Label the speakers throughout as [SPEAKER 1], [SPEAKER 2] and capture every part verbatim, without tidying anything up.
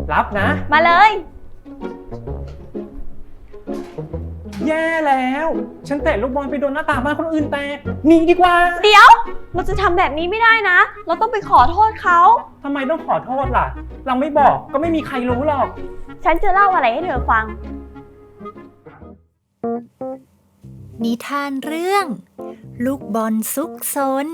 [SPEAKER 1] รับนะ
[SPEAKER 2] มาเลย
[SPEAKER 1] แย่แล้วฉันเตะลูกบอลไปโดนหน้าต่างบ้านคนอื่นแตกหนีดีกว่า
[SPEAKER 2] เดี๋ยวเราจะทำแบบนี้ไม่ได้นะเราต้องไปขอโทษเขา
[SPEAKER 1] ทำไมต้องขอโทษล่ะเราไม่บอกก็ไม่มีใครรู้หรอก
[SPEAKER 2] ฉันจะเล่าอะไรให้เธอฟัง
[SPEAKER 3] นิทานเรื่อง ลูกบอลซุกซน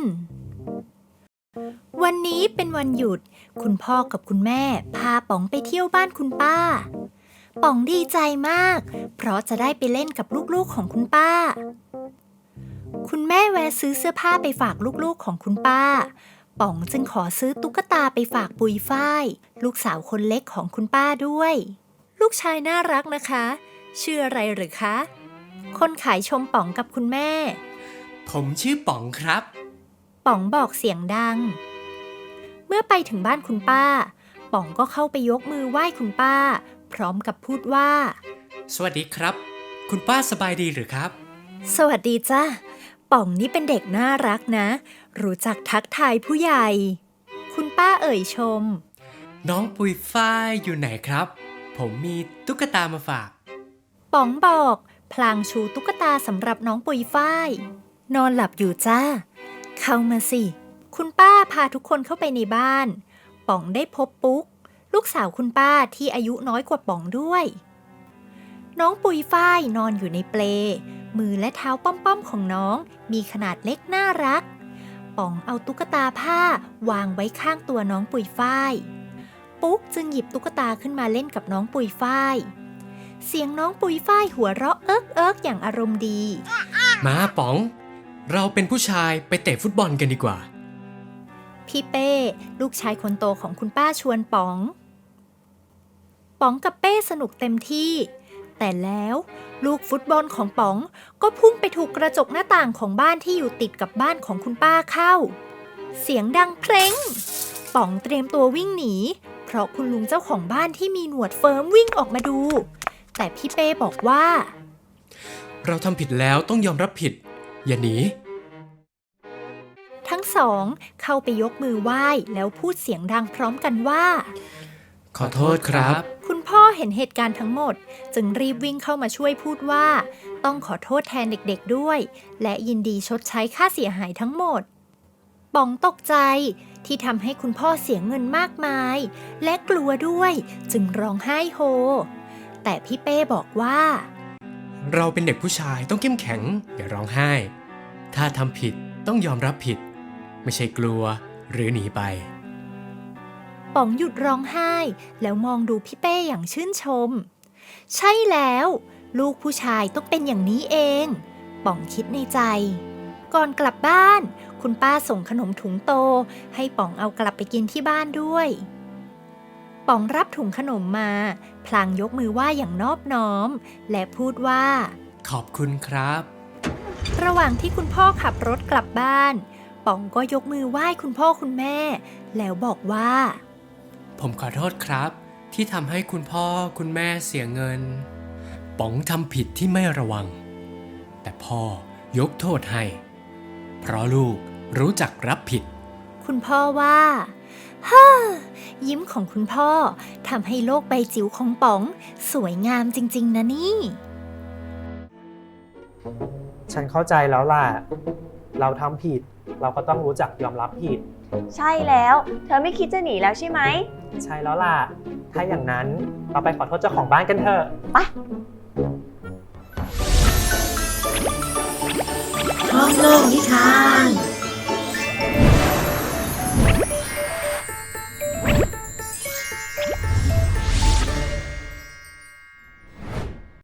[SPEAKER 3] วันนี้เป็นวันหยุดคุณพ่อกับคุณแม่พาป๋องไปเที่ยวบ้านคุณป้าป๋องดีใจมากเพราะจะได้ไปเล่นกับลูกๆของคุณป้าคุณแม่แวะซื้อเสื้อผ้าไปฝากลูกๆของคุณป้าป๋องจึงขอซื้อตุ๊กตาไปฝากปุยฝ้ายลูกสาวคนเล็กของคุณป้าด้วยลูกชายน่ารักนะคะชื่ออะไรหรือคะคนขายชมป๋องกับคุณแม่
[SPEAKER 4] ผมชื่อป๋องครับ
[SPEAKER 3] ป๋องบอกเสียงดังเมื่อไปถึงบ้านคุณป้าป๋องก็เข้าไปยกมือไหว้คุณป้าพร้อมกับพูดว่า
[SPEAKER 4] สวัสดีครับคุณป้าสบายดีหรือครับ
[SPEAKER 3] สวัสดีจ้าป๋องนี่เป็นเด็กน่ารักนะรู้จักทักทายผู้ใหญ่คุณป้าเอ่ยชม
[SPEAKER 4] น้องปุยฝ้ายอยู่ไหนครับผมมีตุ๊กตามาฝาก
[SPEAKER 3] ป๋องบอกพลางชูตุ๊กตาสำหรับน้องปุยฝ้ายนอนหลับอยู่จ้าเข้ามาสิคุณป้าพาทุกคนเข้าไปในบ้านป๋องได้พบปุ๊กลูกสาวคุณป้าที่อายุน้อยกว่าป๋องด้วยน้องปุยฝ้ายนอนอยู่ในเปลมือและเท้าป้อมๆของน้องมีขนาดเล็กน่ารักป๋องเอาตุ๊กตาผ้าวางไว้ข้างตัวน้องปุยฝ้ายปุ๊กจึงหยิบตุ๊กตาขึ้นมาเล่นกับน้องปุยฝ้ายเสียงน้องปุยฝ้ายหัวเราะเอิ๊กเอิ๊กอย่างอารมณ์ดี
[SPEAKER 4] มาป๋องเราเป็นผู้ชายไปเตะฟุตบอลกันดีกว่า
[SPEAKER 3] พี่เป้ลูกชายคนโตของคุณป้าชวนป๋องป๋องกับเป้สนุกเต็มที่แต่แล้วลูกฟุตบอลของป๋องก็พุ่งไปถูกกระจกหน้าต่างของบ้านที่อยู่ติดกับบ้านของคุณป้าเข้าเสียงดังเพลงป๋องเตรียมตัววิ่งหนีเพราะคุณลุงเจ้าของบ้านที่มีหนวดเฟิร์มวิ่งออกมาดูแต่พี่เป้บอกว่า
[SPEAKER 4] เราทำผิดแล้วต้องยอมรับผิดอย่าหนี
[SPEAKER 3] ทั้งสองเข้าไปยกมือไหว้แล้วพูดเสียงดังพร้อมกันว่า
[SPEAKER 4] ขอโทษครับ
[SPEAKER 3] คุณพ่อเห็นเหตุการณ์ทั้งหมดจึงรีบวิ่งเข้ามาช่วยพูดว่าต้องขอโทษแทนเด็กๆด้วยและยินดีชดใช้ค่าเสียหายทั้งหมดป๋องตกใจที่ทำให้คุณพ่อเสียเงินมากมายและกลัวด้วยจึงร้องไห้โฮแต่พี่เป้บอกว่า
[SPEAKER 4] เราเป็นเด็กผู้ชายต้องเข้มแข็งอย่าร้องไห้ถ้าทำผิดต้องยอมรับผิดไม่ใช่กลัวหรือหนีไป
[SPEAKER 3] ป๋องหยุดร้องไห้แล้วมองดูพี่เป้อย่างชื่นชมใช่แล้วลูกผู้ชายต้องเป็นอย่างนี้เองป๋องคิดในใจก่อนกลับบ้านคุณป้าส่งขนมถุงโตให้ป๋องเอากลับไปกินที่บ้านด้วยป๋องรับถุงขนมมาพลางยกมือไหว้อย่างนอบน้อมและพูดว่า
[SPEAKER 4] ขอบคุณครับ
[SPEAKER 3] ระหว่างที่คุณพ่อขับรถกลับบ้านป๋องก็ยกมือไหว้คุณพ่อคุณแม่แล้วบอกว่า
[SPEAKER 4] ผมขอโทษครับที่ทำให้คุณพ่อคุณแม่เสียเงินป๋องทำผิดที่ไม่ระวังแต่พ่อยกโทษให้เพราะลูกรู้จักรับผิด
[SPEAKER 3] คุณพ่อว่าฮ่ายิ้มของคุณพ่อทำให้โลกใบจิ๋วของป๋องสวยงามจริงๆนะนี่
[SPEAKER 1] ฉันเข้าใจแล้วล่ะเราทำผิดเราก็ต้องรู้จักยอมรับผิด
[SPEAKER 2] ใช่แล้วเธอไม่คิดจะหนีแล้วใช่ไหม
[SPEAKER 1] ใช่แล้วล่ะถ้าอย่างนั้นเราไปขอโทษเจ้าของบ้านกันเถอะ
[SPEAKER 2] ไป
[SPEAKER 5] ห้องโลกนิทาน